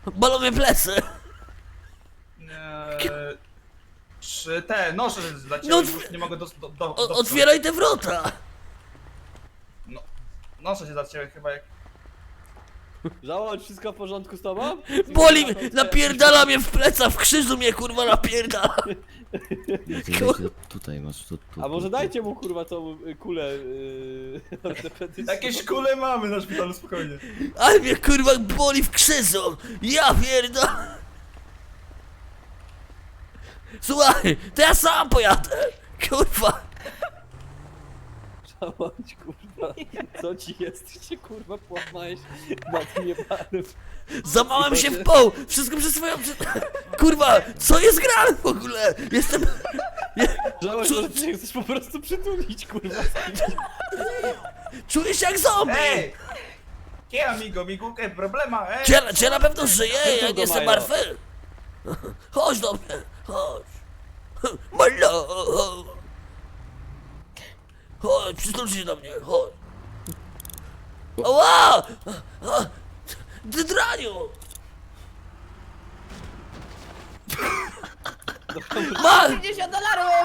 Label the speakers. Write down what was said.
Speaker 1: Bolą mnie plecy.
Speaker 2: Czy te noże
Speaker 1: No,
Speaker 2: zleciały, już nie mogę
Speaker 1: Otwieraj te wrota.
Speaker 2: No, noże się zacięły chyba jak...
Speaker 3: Żołądź, wszystko w porządku z tobą?
Speaker 1: Boli mnie, napierdala mnie w pleca, w krzyżu mnie kurwa napierdala.
Speaker 4: Tutaj masz, tu.
Speaker 3: A może dajcie mu kurwa tą kulę ortopedyczną.
Speaker 2: Jakieś kule mamy na szpitalu, spokojnie.
Speaker 1: Ale mnie kurwa boli w krzyżu. Ja pierdolę. Słuchaj, to ja sam pojadę. Kurwa.
Speaker 3: Żołądź, kurwa. Co ci jest? Ty się kurwa połamałeś na tym jebanym.
Speaker 1: Zamałem się w poł. Wszystko przez swoją... Kurwa, co jest grane w ogóle? Jestem...
Speaker 3: Żołądź, może ty się chcesz po prostu przytulić, kurwa.
Speaker 1: Czuję się jak zombie.
Speaker 2: Ej! ¿Qué amigo? Mi cuca es problema, eh?
Speaker 1: Czy ja na pewno żyję? Ja nie jestem
Speaker 3: Majo.
Speaker 1: martwy. Chodź do mnie, chodź. Malo. Chodź, przytul się do mnie, chodź. Ała! Ty draniu! Ma!
Speaker 5: $50!